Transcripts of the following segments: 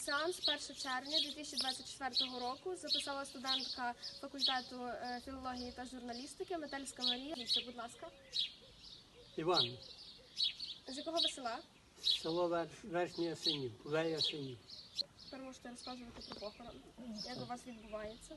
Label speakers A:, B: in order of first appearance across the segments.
A: Сеанс 1 червня 2024 року записала студентка факультету філології та журналістики Метельська Марія. Будь ласка.
B: Іван.
A: З якого ви села?
B: Село Верхній Ясенів, Вея Ясенів.
A: Тепер можете розказувати про похорон. Як у вас відбувається?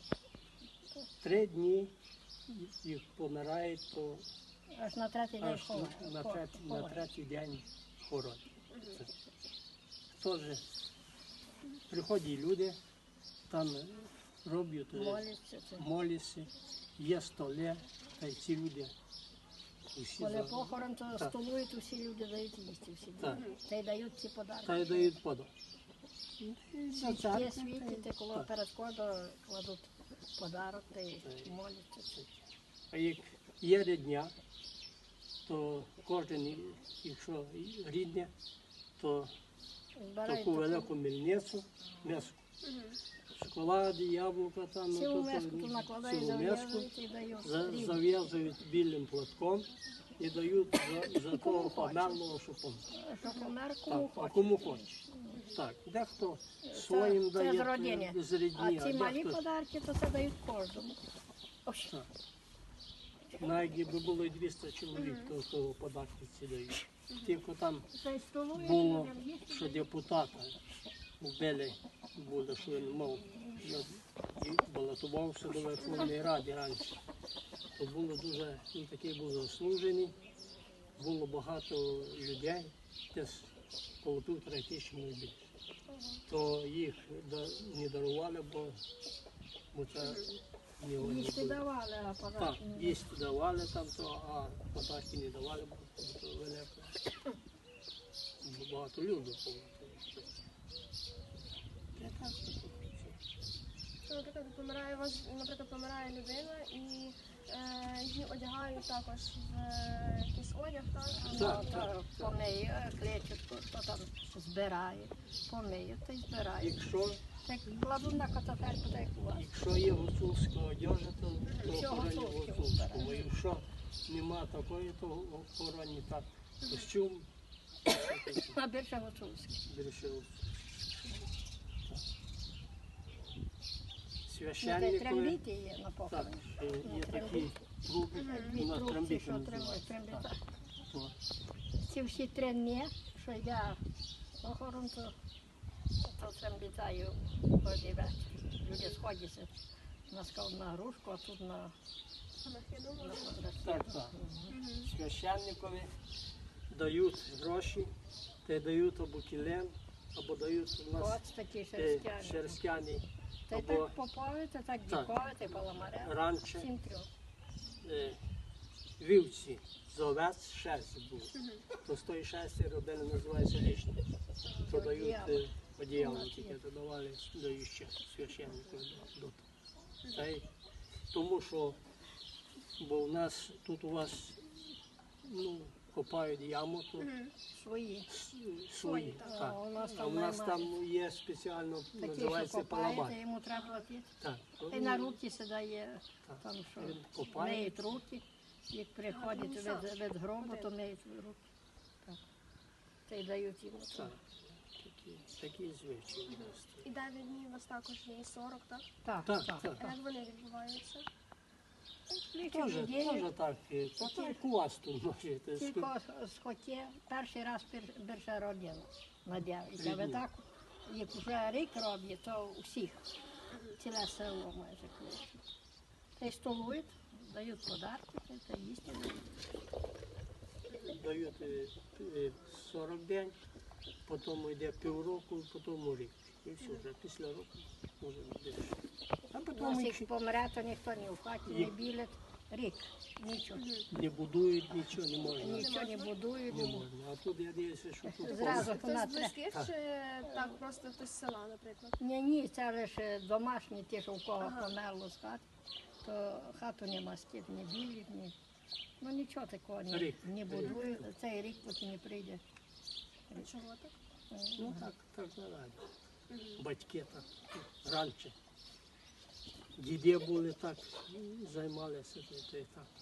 B: 3 дні їх помирають, то
C: Аж на третій день
B: аж на третій день хоронять. Теж приходять люди, там роблять моляться, є столи, та й ці люди.
C: Коли похорон, то столують, усі люди дають їсти, всі та й дають ці подарки.
B: Та й дають подарок.
C: Свічки світять, коли перед входом кладуть подарок та й моляться.
B: А як є рідня, то кожен, якщо рідне, то таку велику мельницю, м'ясо, шоколади, яблука, там,
C: цілу миску тут накладають, зав'язують і дають.
B: Зав'язують білим платком і дають за того померлого, що помер.
C: Що помер, кому
B: А
C: хоче.
B: кому хоче. Так, дехто своїм
C: Це з
B: дає
C: родини.
B: з рідні,
C: А ці малі
B: дехто...
C: подарки, то це дають кожному. Ось.
B: Так. Навіть якби було і 200 чоловік, то того подарки ці дають. Тільки там було, що депутата вбили, було, що він мав, балотувався до Верховної Ради раніше. То було дуже, він такий був заслужений, було багато людей, десь коло 1500 людей. То їх не дарували, бо це не вони
C: Їсти
B: були.
C: давали, а
B: Так,
C: подарки не
B: їсти давали там, а подарки не давали, бо це велике. Багато людей було.
A: Наприклад, помирає вас, помирає людина і її одягають також в якийсь одяг, так?
B: Так.
C: Помиє, клечетку, хто там збирає, помиє та й збирає.
B: Якщо
C: Так кладуть на катафельку, так як у вас.
B: Якщо є гуцульська одежа, то
C: Всього
B: охороні
C: гуцульське
B: гуцульську.
C: вбирають.
B: Якщо нема такої, то охороні так. Костюм,
C: А більше гуцульське.
B: більше
C: Та й
B: священникові.
C: трембіти є на
B: Так,
C: похороні.
B: є такі труби,
C: Дві
B: у нас
C: трубці,
B: трембіти
C: що
B: називаються.
C: трембіта.
B: Так. То
C: Ці всі 3 дні, що йде похорон, то трембітаю кожен вечір. Люди сходяться на грушку, а тут на
B: Так, так. Священникові дають гроші, та й дають або кілем, або дають у нас
C: От такі шерстяні.
B: шерстяні.
C: Та й
B: Або
C: так попові, та так дікові, та й паламаре.
B: раніше
C: Всім 3.
B: вівці з овець шерсть було. То з тої шерсті робили, називається лишня. То дають одіяло, тільки додавали, дають ще священнику. Та й тому що, бо у нас, тут у вас, копають яму, то свої.
C: А
B: Так.
C: у нас
B: А
C: там
B: у нас
C: немає.
B: там є спеціально,
C: Такі, що
B: називається
C: копаєте,
B: паламар.
C: йому треба платити.
B: Так.
C: Та й на руки сідає,
B: Так.
C: там що,
B: Він копає.
C: миють руки. Як приходять від гробу, то миють руки. Так. Та й дають йому.
B: Так. Такі звичаї у нас.
A: І 9 днів у вас також є, і 40, так?
C: Так,
B: Так,
C: так.
B: так.
A: А як вони відбуваються?
B: Тоже так, то так у вас тут можете.
C: Тільки з хоті перший раз більше родила надявиться. А ви так, як вже рік роблять, то усіх, ціле село майже кличуть. Та й столують, дають подарки, та їсти дають.
B: Дають 40 день, потім йде півроку, потім рік. І все, вже після року може більше. А
C: У нас
B: потім
C: як помре, то ніхто ні в хаті не білять. Рік, нічого.
B: не будують, нічого не можна.
C: Нічого не будують.
B: Не можна. А тут я дивлюся, що тут
C: Зразу
A: Хтось
C: вона
A: з близьких чи так просто хтось з села, наприклад?
C: Ні, це лише домашні, ті, що в кого померло з хати, то хату не мастять, не білять, ні. Ну нічого такого не будують, цей рік поки не прийде.
A: Чого так?
B: Ну так наразі. Батьки так раніше. Діди були так, займалися то і так.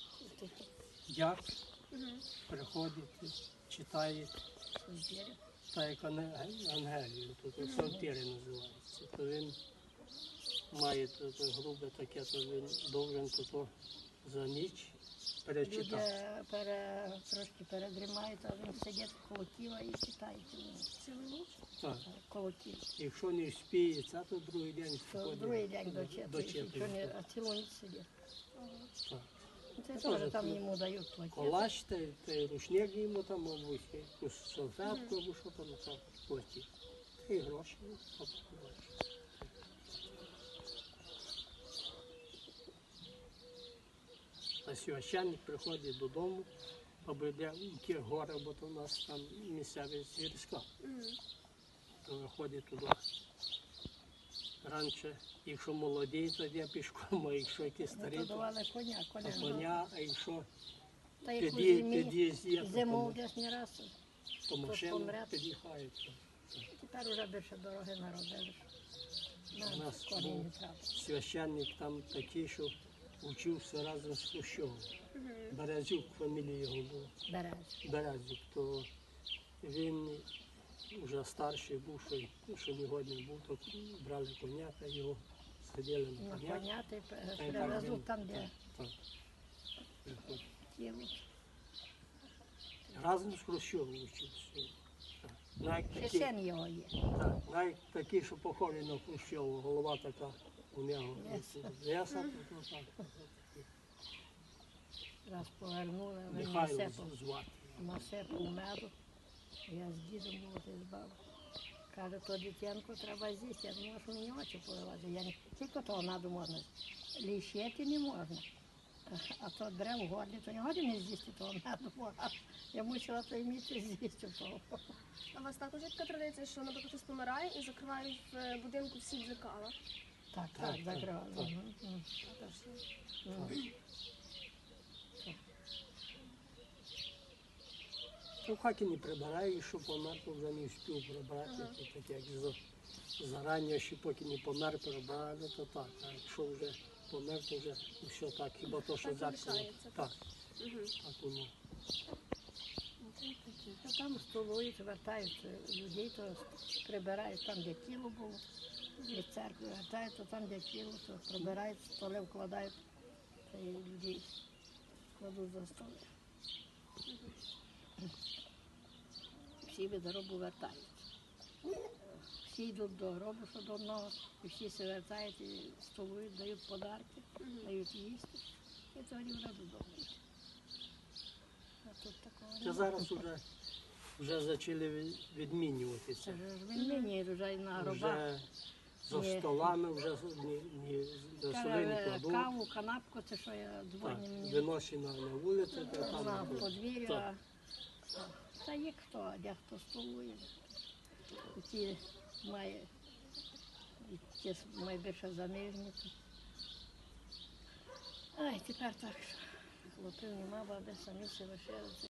B: Дяк приходить, читає так як Ангелію, тут сортири називаються. То він має то грубе таке, то він довжен то за ніч
C: Люди
B: перечитати.
C: трошки передрімають, а він сидить коло тіла і читає
A: Цілу ніч?
B: Так.
C: коло тіла.
B: Якщо не вспіє, це то другий день
C: То
B: виходить.
C: другий день дочитує,
B: дочитує.
C: а цілу ніч сидить.
B: Так.
C: Це
B: Тоже
C: теж там
B: тут
C: йому дають платити.
B: Колач, та й рушник йому там, або якусь салфетку, або що там так платить. Та й гроші. От, бачиш. А священник приходить додому, або йде в ті гори, бо то у нас там місцевість гірська. То виходить туди. Раніше, якщо молоді, то йде пішком, а якщо якісь старі,
C: То
B: то
C: давали коня,
B: коня, а якщо
C: Та як у
B: під'їзд,
C: зиму десь не раз,
B: то машину
C: помре.
B: під'їхають.
C: тепер вже більше дороги наробили.
B: У
C: Нам
B: нас
C: коні
B: був
C: не треба.
B: священник там такий, що вчився разом з Хрущовим. Березюк, фамілія його була.
C: Берез.
B: Березюк, то він вже старший був, що не годний був, то брали коня та його сиділи на
C: На
B: коня.
C: коня ти
B: Та й так
C: привезуть
B: він-
C: там, де
B: Так, приходить.
C: тіло.
B: Разом з Хрущовим вчився. Так. Навіть
C: Ще
B: такий-
C: син його є.
B: Так, навіть такий, що похожий на Хрущова, голова така у нього. Леса, то так.
C: Раз повернули, він
B: Михайло
C: насипав,
B: звати.
C: насипав меду. Я з дідом був збав. Каже, то дитянку треба з'їсти. Я думаю, що мені очі поливати. Я не тільки того меду можна. Лішити не можна. А то бере в горлі, то не годі не з'їсти того меду. Я мусила то вміти з'їсти того.
A: А у вас також є така традиція, що, наприклад, хтось помирає і закривають в будинку всі дзеркала?
C: Так,
B: Так,
C: так,
B: так,
C: закривали.
B: так. Ну, в хаті не прибираю, що помер, то вже не встиг прибрати. То таке, як зарані, ще поки не помер, прибрали, то так. А якщо вже помер, то вже все так. Хіба то, що
A: Так і
B: зеркало.
A: лишається,
B: Так,
A: Угу.
B: так воно.
C: Там столують, вертають людей, то прибирають там, де тіло було. Від церкви вертають, то там, де тіло, то прибирають, столи вкладають, та й людей кладуть за столи. Всі від гробу вертаються. Всі йдуть до гробу, що до одного, і всі се вертають, і столують, дають подарки, дають їсти, і тоді вже додому. А тут такого
B: Це
C: немає.
B: зараз вже почали відмінюватися.
C: Це ж відмінюють вже і на гробах.
B: Вже за
C: Ні.
B: столами вже до соли не
C: Каже,
B: кладуть.
C: каву, канапку, це що я
B: Так,
C: дзвоню мені
B: виносять на вулицю, то
C: на
B: там.
C: подвір'я.
B: Так.
C: Та є хто, а де хто столує. І ті має, і ті найбільше занижені. Ай, тепер так, що хлопів нема, баби самі се лишилися.